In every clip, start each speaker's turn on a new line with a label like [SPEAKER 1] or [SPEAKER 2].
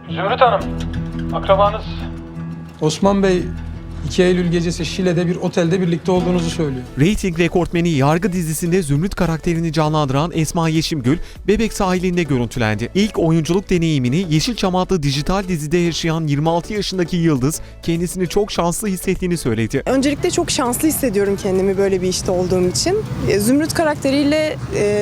[SPEAKER 1] Zümrüt Hanım, akrabanız.
[SPEAKER 2] Osman Bey 2 Eylül gecesi Şile'de bir otelde birlikte olduğunuzu söylüyor.
[SPEAKER 3] Rating rekortmeni Yargı dizisinde Zümrüt karakterini canlandıran Esma Yeşimgül, Bebek sahilinde görüntülendi. İlk oyunculuk deneyimini Yeşilçam adlı dijital dizide yaşayan 26 yaşındaki Yıldız, kendisini çok şanslı hissettiğini söyledi.
[SPEAKER 4] Öncelikle çok şanslı hissediyorum kendimi böyle bir işte olduğum için. Zümrüt karakteriyle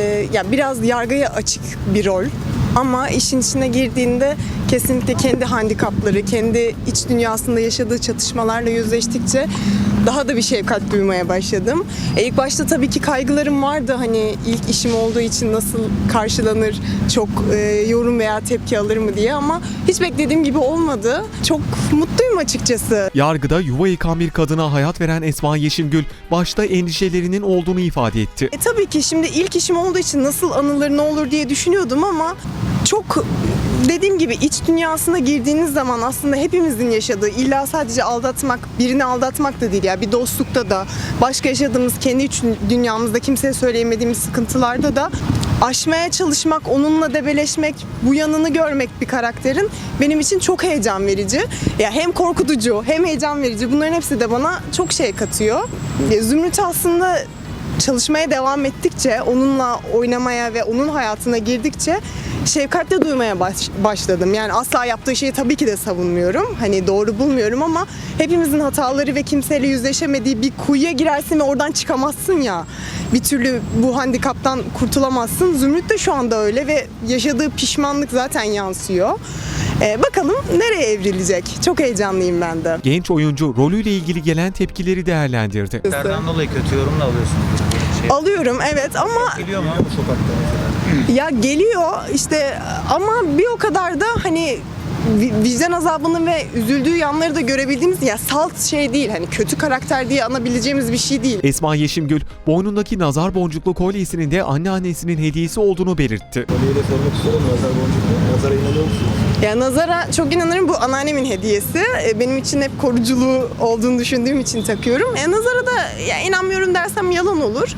[SPEAKER 4] biraz yargıya açık bir rol. Ama işin içine girdiğinde kesinlikle kendi handikapları, kendi iç dünyasında yaşadığı çatışmalarla yüzleştikçe daha da bir şefkat duymaya başladım. İlk başta tabii ki kaygılarım vardı. Hani ilk işim olduğu için nasıl karşılanır, çok yorum veya tepki alır mı diye, ama hiç beklediğim gibi olmadı. Çok mutluyum açıkçası.
[SPEAKER 3] Yargıda yuva yıkan bir kadına hayat veren Esma Yeşimgül, başta endişelerinin olduğunu ifade etti.
[SPEAKER 4] Tabii ki şimdi ilk işim olduğu için nasıl anılır, ne olur diye düşünüyordum, ama çok dediğim gibi iç dünyasına girdiğiniz zaman aslında hepimizin yaşadığı, illa sadece aldatmak, birini aldatmak da değil ya, bir dostlukta da, başka yaşadığımız kendi iç dünyamızda kimseye söyleyemediğimiz sıkıntılarda da aşmaya çalışmak, onunla debeleşmek, bu yanını görmek bir karakterin benim için çok heyecan verici. Ya hem korkutucu hem heyecan verici, bunların hepsi de bana çok şey katıyor. Zümrüt aslında çalışmaya devam ettikçe, onunla oynamaya ve onun hayatına girdikçe şefkatle duymaya başladım. Yani asla yaptığı şeyi tabii ki de savunmuyorum. Hani doğru bulmuyorum, ama hepimizin hataları ve kimseyle yüzleşemediği bir kuyuya girersin ve oradan çıkamazsın ya. Bir türlü bu handikaptan kurtulamazsın. Zümrüt de şu anda öyle ve yaşadığı pişmanlık zaten yansıyor. Bakalım nereye evrilecek? Çok heyecanlıyım ben de.
[SPEAKER 3] Genç oyuncu rolüyle ilgili gelen tepkileri değerlendirdi.
[SPEAKER 5] Nereden dolayı kötü yorum da alıyorsun?
[SPEAKER 4] Alıyorum, evet, ama
[SPEAKER 5] Geliyor mu bu sokakta mesela?
[SPEAKER 4] ya geliyor işte, ama bir o kadar da hani vicdan azabını ve üzüldüğü yanları da görebildiğimiz, ya salt şey değil, hani kötü karakter diye anabileceğimiz bir şey değil.
[SPEAKER 3] Esma Yeşimgül, boynundaki nazar boncuklu kolyesinin de anneannesinin hediyesi olduğunu belirtti.
[SPEAKER 5] Kolyeyi de sormak istiyorum. Nazar boncuklu. Nazara inanıyor musunuz?
[SPEAKER 4] Ya nazara çok inanırım, bu anneannemin hediyesi. Benim için hep koruculuğu olduğunu düşündüğüm için takıyorum. Nazara da ya inanmıyorum dersem yalan olur.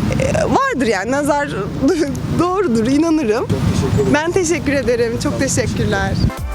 [SPEAKER 4] Vardır yani, nazar doğrudur, inanırım.
[SPEAKER 5] Çok teşekkür ederim.
[SPEAKER 4] Ben teşekkür ederim. Çok teşekkürler.